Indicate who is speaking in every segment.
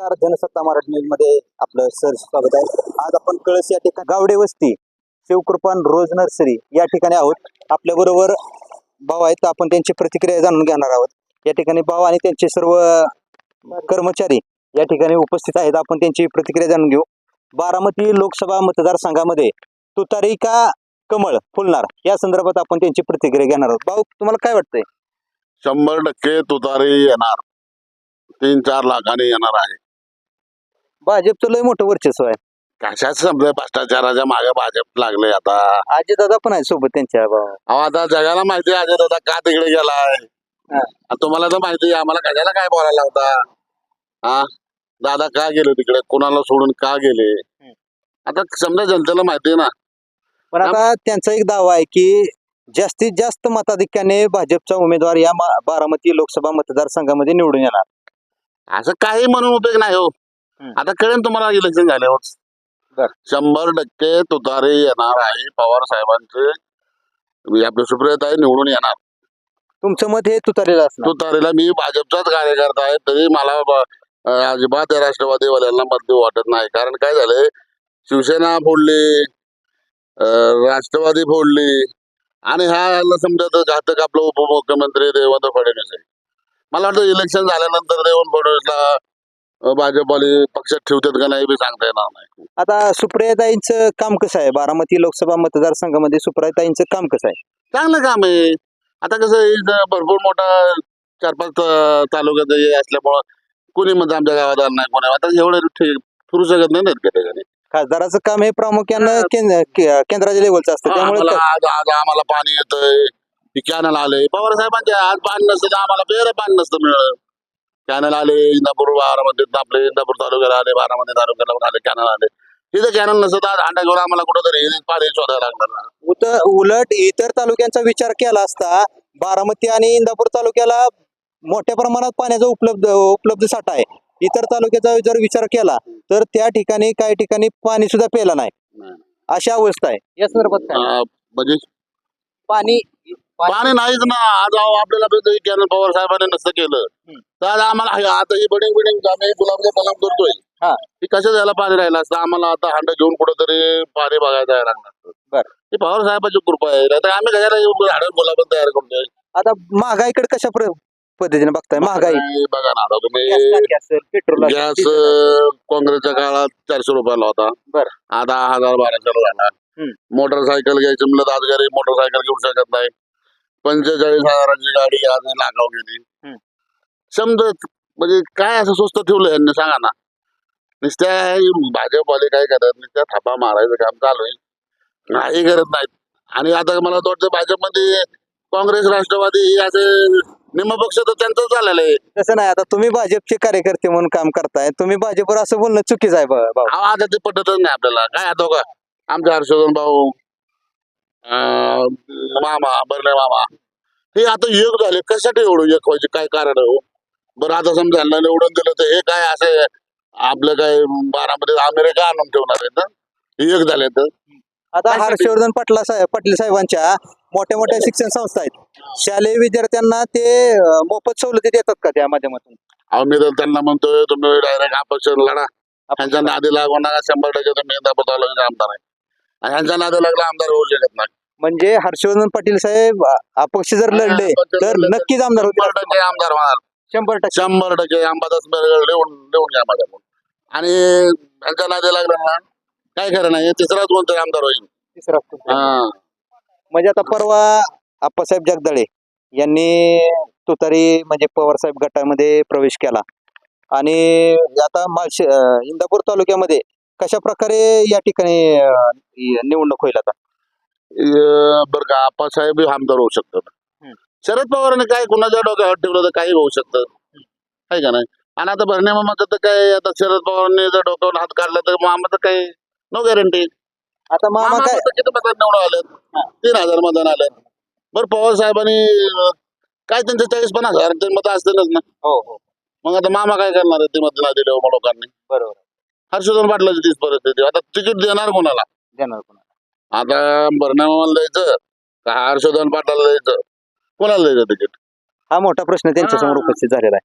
Speaker 1: नमस्कार, जनसत्ता मराठी न्यूज मध्ये आपलं सर स्वागत आहे. आज आपण कळस या ठिकाणी गावडे वस्ती शिवकृपान रोज नर्सरी या ठिकाणी आहोत. आपल्या बरोबर भाऊ आहेत, आपण त्यांची प्रतिक्रिया जाणून घेणार आहोत. या ठिकाणी भाऊ आणि त्यांचे सर्व कर्मचारी या ठिकाणी उपस्थित आहेत. आपण त्यांची प्रतिक्रिया जाणून घेऊ. बारामती लोकसभा मतदारसंघामध्ये तुतारी का कमळ फुलणार या संदर्भात आपण त्यांची प्रतिक्रिया घेणार आहोत. भाऊ, तुम्हाला काय वाटतंय?
Speaker 2: 100% तुतारी येणार. 3-4 लाखांनी येणार आहे.
Speaker 1: भाजपचं लय मोठं वर्चस्व आहे.
Speaker 2: कशाच समजा भ्रष्टाचाराच्या मागे भाजप लागले आता.
Speaker 1: आजी दादा पण आहे सोबत त्यांच्या.
Speaker 2: अहो आता जगाला माहिती आहे अजय दादा का तिकडे गेलाय.
Speaker 1: हा.
Speaker 2: आणि तुम्हाला तर माहिती आहे आम्हाला कशाला काय बोलायला होता. हा, दादा का गेले तिकडे, कुणाला सोडून का गेले, आता समजा जनतेला माहिती आहे ना.
Speaker 1: पण आता त्यांचा एक दावा आहे की जास्तीत जास्त मताधिक्याने भाजपचा उमेदवार या बारामती लोकसभा मतदारसंघामध्ये निवडून येणार.
Speaker 2: असं काही म्हणून उपयोग नाही हो. आता कळेल तुम्हाला इलेक्शन झाल्यावर.
Speaker 1: बर.
Speaker 2: 100% तुतारी येणार आहे. पवार साहेबांचे आपले सुप्रियाताई निवडून येणार.
Speaker 1: तुमचं मत हे तुतारीला असणार.
Speaker 2: तुतारीला मी भाजपचाच कार्यकर्ता आहे तरी मला अजिबात या राष्ट्रवादीवाल्यांना मत देऊ वाटत नाही. कारण काय झालंय, शिवसेना फोडली, राष्ट्रवादी फोडली आणि ह्या समजा घातक आपलं उपमुख्यमंत्री देवेंद्र फडणवीस आहे. मला वाटतं इलेक्शन झाल्यानंतर देवेंद्र फडणवीसला भाजपवाले पक्षात ठेवतात का नाही बी सांगता येणार नाही.
Speaker 1: आता सुप्रियाताईंचं काम कसं आहे? बारामती लोकसभा मतदारसंघामध्ये सुप्रियाताईंचं काम कसं आहे?
Speaker 2: चांगलं काम आहे. आता कसं आहे, इथं भरपूर मोठा 4-5 तालुक्यात हे असल्यामुळं कोणी म्हणजे आमच्या गावात आलं नाही, कोणी आता एवढं फिरू शकत नाही ना त्याच्याने.
Speaker 1: खासदाराचं काम हे प्रामुख्यानं केंद्राच्या लेवलचं असतं, त्यामुळे
Speaker 2: आज आम्हाला पाणी येतंय, कॅनल आले पवार साहेबांचे. आज पाणी नसतं तर आम्हाला प्यायला पाणी नसतं मिळलं. कॅनल आले इंदापूर, बारामती, आपले इंदापूर तालुक्याला आले, बारामती तालुक्याला आले कॅनल आले. तिथे कॅनल नसतं तर हांडा घेऊन आम्हाला कुठंतरी पाणी शोधायला लागणार.
Speaker 1: उलट इतर तालुक्यांचा विचार केला असता बारामती आणि इंदापूर तालुक्याला मोठ्या प्रमाणात पाण्याचा उपलब्ध साठा आहे. इतर तालुक्याचा जर विचार केला तर त्या ठिकाणी काही ठिकाणी पाणी सुद्धा प्यायला नाही, अशी अवस्था आहे. या संदर्भात काय?
Speaker 2: म्हणजे
Speaker 1: पाणी
Speaker 2: पाणी नाहीच ना. आज आपल्याला कॅनल पवार साहेबांनी नसतं केलं तर आज आम्हाला आता ही बिल्डिंग आम्ही गुलाबचा कलम करतोय.
Speaker 1: हा.
Speaker 2: की कसं झालं पाणी राहिलं असतं आम्हाला. आता हांडा घेऊन कुठंतरी पाणी बघायला जायला लागणार.
Speaker 1: बरं.
Speaker 2: ही पवार साहेबांची कृपा आहे. आता आम्ही कशाला झाडं गुलाब तयार करतोय.
Speaker 1: आता महागाईकडे कशा पद्धतीने बघताय? महागाई
Speaker 2: बघा ना, आता तुम्ही
Speaker 1: पेट्रोल
Speaker 2: गॅस काँग्रेसच्या काळात 400 रुपयाला होता.
Speaker 1: बरं.
Speaker 2: आता 1000-1200 झाला. मोटरसायकल घ्यायची म्हणलं तर आज घरी मोटरसायकल घेऊ शकत नाही. 45,000ची गाडी आज लागाव गेली. समजत म्हणजे काय असं स्वस्त ठेवलं यांनी सांगा ना. नुसत्या भाजपवाले काय करतात, नुसत्या थापा मारायचं काम चालू आहे, नाही करत नाहीत. आणि आता मला वाटतं भाजपमध्ये काँग्रेस राष्ट्रवादी असे निम पक्ष तर त्यांचं झालेलं आहे.
Speaker 1: तसं नाही. आता तुम्ही भाजपचे कार्यकर्ते म्हणून काम करताय, तुम्ही भाजपवर असं बोलणं चुकीचं आहे भाऊ.
Speaker 2: आता ते पटतच नाही आपल्याला. काय आता का आमचे हर्षवर्धन भाऊ, मामा बर्ले मामा हे आता एक झाले. कशासाठी एवढं एक व्हायचे, काय कारण आहे हो? बरं आता समजा निवडून दिलं तर हे काय असे आपलं काय बारामध्ये अमेरिका आणून ठेवणार आहे ना. एक झाले तर
Speaker 1: आता हर्षवर्धन पाटील साहेबांच्या मोठ्या मोठ्या शिक्षण संस्था आहेत, शालेय विद्यार्थ्यांना ते मोफत सवलती देतात का त्या माध्यमातून?
Speaker 2: आम्ही तर त्यांना म्हणतोय तुम्ही डायरेक्ट अपक्ष लढा. ह्यांच्या नादी लागू नका. 100% तुम्ही इंदापूर तालुक्याचे आमदार आहे. आणि ह्यांच्या नादी लागला आमदार होऊ शकत नाही.
Speaker 1: म्हणजे हर्षवर्धन पाटील साहेब अपक्ष जर लढले तर नक्कीच आमदार होतील.
Speaker 2: 100% आमदार होणार.
Speaker 1: 100%.
Speaker 2: 100% अंबादास लिहून घ्या माझ्याकडून. आणि ह्यांच्या नादी लागला ना काय खरं नाही. तिसराच कोणतरी आमदार होईल.
Speaker 1: तिसरा. म्हणजे आता परवा आप्पासाहेब जगदाळे यांनी तुतारी म्हणजे पवार साहेब गटामध्ये प्रवेश केला आणि आता इंदापूर तालुक्यामध्ये कशा प्रकारे या ठिकाणी निवडणूक होईल आता?
Speaker 2: बरं का, आप्पासाहेब आमदार होऊ शकतात. शरद पवारांनी काय कुणाच्या डोक्यावर ठेवलं तर काही होऊ शकतं, आहे का नाही. आणि आता भरणे मामाचं तर काय, आता शरद पवारांनी जर डोक्यावर हात काढला तर मामाचं काही नो गॅरंटी.
Speaker 1: आता मामा काय
Speaker 2: किती मतात निवडून आले? 3,000 मतदान आले. बरं पवार साहेबांनी काय त्यांचे 40-50 हजार मत असतीलच ना.
Speaker 1: हो.
Speaker 2: मग आता मामा काय करणार आहे ते मत नाही दिले लोकांनी.
Speaker 1: बरोबर.
Speaker 2: हर्षवर्धन पाटलाची तीच परिस्थिती. आता तिकीट देणार कोणाला? आता भरणे मामाला द्यायचं का हर्षवर्धन पाटलाला द्यायचं? कोणाला द्यायचं तिकीट?
Speaker 1: हा मोठा प्रश्न त्यांच्यासमोर उपस्थित झालेला आहे.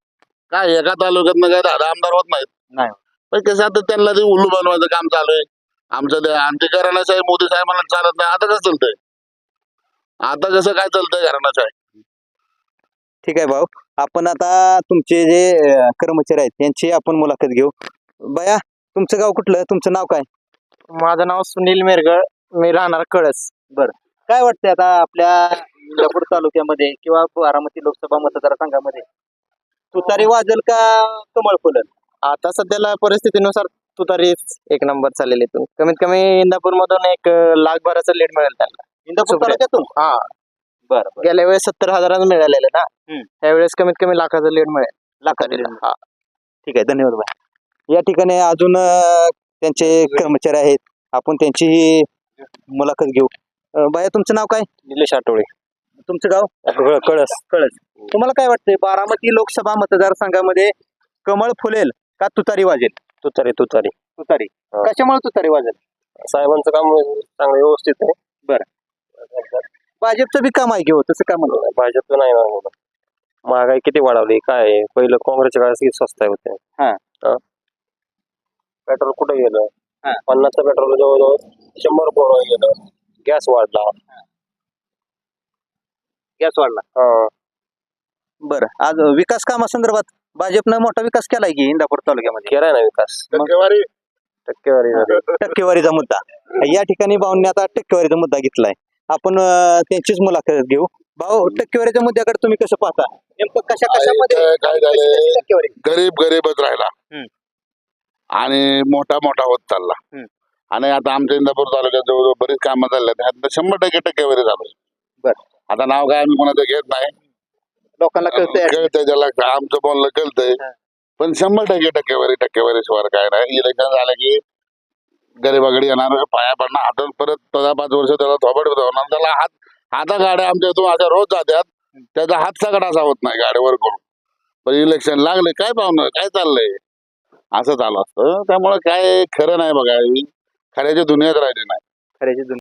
Speaker 2: काय एका तालुक्यातनं काय 10 आमदार होत नाहीत.
Speaker 1: नाही.
Speaker 2: पण कसं आता त्यांना ते उल्लू बनवायचं काम चालू आहे. आमचं ते आणि ते घराण्याशाही मोदी साहेबांना चालत नाही. आता कसं चालतंय? आता कसं काय चालतंय घराण्याशाही?
Speaker 1: ठीक आहे भाऊ, आपण आता तुमचे जे कर्मचारी आहेत त्यांची आपण मुलाखत घेऊ. बया, तुमचं गाव कुठलं, तुमचं नाव काय?
Speaker 3: माझं नाव सुनील मेरगळ, मी राहणार कळस.
Speaker 1: काय वाटतंय आता आपल्या इंदापूर तालुक्यामध्ये किंवा बारामती लोकसभा मतदारसंघामध्ये तुतारी वाजेल का कमळ फुलेल?
Speaker 3: आता सध्याला परिस्थितीनुसार तुतारीच एक नंबर चाललेली इथून. कमीत कमी इंदापूर मधून एक लाखभराचं लीड मिळेल त्यांना.
Speaker 1: इंदापूर
Speaker 3: सुप्रिया.
Speaker 1: तालुक्यातून?
Speaker 3: हा,
Speaker 1: बरं
Speaker 3: गेल्या वेळेस 70,000 मिळालेले ना, त्यावेळेस कमीत कमी लाखाचं लीड मिळेल.
Speaker 1: लाखाचं lead.
Speaker 3: हा.
Speaker 1: ठीक आहे, धन्यवाद भाई. या ठिकाणी अजून त्यांचे कर्मचारी आहेत, आपण त्यांची मुलाखत घेऊ. बाया, तुमचं नाव काय?
Speaker 3: निलेश आठवळे,
Speaker 1: तुमचं गाव?
Speaker 3: कळस.
Speaker 1: कळस. तुम्हाला काय वाटतंय बारामती लोकसभा मतदारसंघामध्ये कमळ फुलेल का तुतारी वाजेल?
Speaker 3: तुतारी.
Speaker 1: तुतारी.
Speaker 3: हा.
Speaker 1: कशामुळे तुतारी वाजेल?
Speaker 3: साहेबांचं काम चांगलं व्यवस्थित आहे.
Speaker 1: भाजपचं बी काम आहे घेऊ, तसं का म्हणलं?
Speaker 3: भाजपचं नाही ना, महागाई किती वाढवली, काय आहे? पहिलं काँग्रेसच्या काळात किती स्वस्त होते.
Speaker 1: हा.
Speaker 3: पेट्रोल कुठे गेलं?
Speaker 1: हा.
Speaker 3: 50चं पेट्रोल जवळजवळ 100 रुपये गेलं. गॅस वाढला.
Speaker 1: गॅस वाढला. बरं, आज विकास कामासंदर्भात भाजपनं मोठा विकास केलाय की इंदापूर तालुक्यामध्ये?
Speaker 3: केलाय ना विकास.
Speaker 2: टक्केवारी
Speaker 3: टक्केवारी झाली.
Speaker 1: टक्केवारीचा मुद्दा या ठिकाणी भाऊंनी आता टक्केवारीचा मुद्दा घेतलाय. आपण त्यांचीच मुलाखत घेऊ. भाऊ, टक्केवारीच्या मुद्द्याकडे तुम्ही कसं पाहता? नेमकं कशामध्ये
Speaker 2: काय झालंय?
Speaker 1: टक्केवारी?
Speaker 2: गरीबच राहिला आणि मोठा होत चालला. आणि आता आमच्या इंदापूर तालुक्यात जवळजवळ बरीच कामं चालल्यात. त्यात 100% टक्केवारी झाली.
Speaker 1: बरं.
Speaker 2: आता नाव काय आम्ही कोणाचं घेत नाही.
Speaker 1: लोकांना कळतंय.
Speaker 2: कळतंय त्याला, आमचं बोलणं कळतंय. पण 100% टक्केवारी शिवाय काय नाही. इलेक्शन झालं की गरीबाकडे येणार, पाया पडणार, हातात परत 5 वर्ष त्याला थोबड होणार. त्याला हाता गाड्या आमच्या इथून अशा रोज जात्यात, त्याचा हात सगळा असा होत नाही गाडीवर करून. पण इलेक्शन लागले काय पाहुणं, काय चाललंय, असं चालू असतं. त्यामुळे काय खरं नाही बघा, खऱ्याची दुनियाच राहिली नाही.
Speaker 1: खऱ्याची